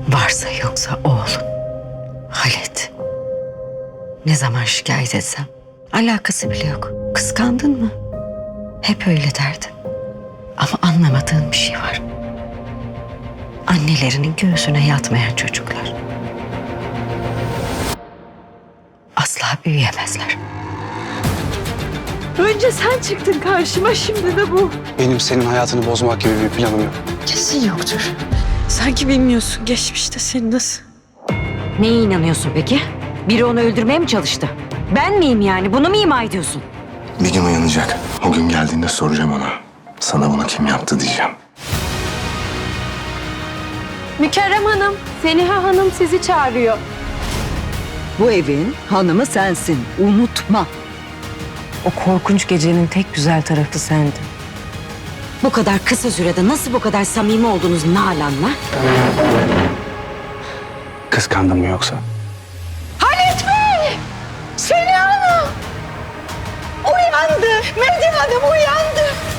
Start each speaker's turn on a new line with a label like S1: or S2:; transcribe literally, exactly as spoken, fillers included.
S1: Varsa yoksa oğlun Halit. Ne zaman şikayet etsem alakası bile yok. Kıskandın mı? Hep öyle derdin. Ama anlamadığın bir şey var. Annelerinin göğsüne yatmayan çocuklar asla büyüyemezler.
S2: Önce sen çıktın karşıma, şimdi de bu.
S3: Benim senin hayatını bozmak gibi bir planım yok.
S2: Kesin yoktur. Sanki bilmiyorsun geçmişte seni nasıl.
S1: Neye inanıyorsun peki? Biri onu öldürmeye mi çalıştı? Ben miyim yani? Bunu mu ima ediyorsun?
S4: Bir gün uyanacak. O gün geldiğinde soracağım ona. Sana bunu kim yaptı diyeceğim.
S2: Mükerrem Hanım, Seniha Hanım sizi çağırıyor.
S5: Bu evin hanımı sensin. Unutma.
S6: O korkunç gecenin tek güzel tarafı sendin.
S1: Bu kadar kısa sürede nasıl bu kadar samimi oldunuz Nalan'la?
S3: Kıskandın mı yoksa?
S2: Seniha Hanım! Uyandı! Medya Hanım uyandı!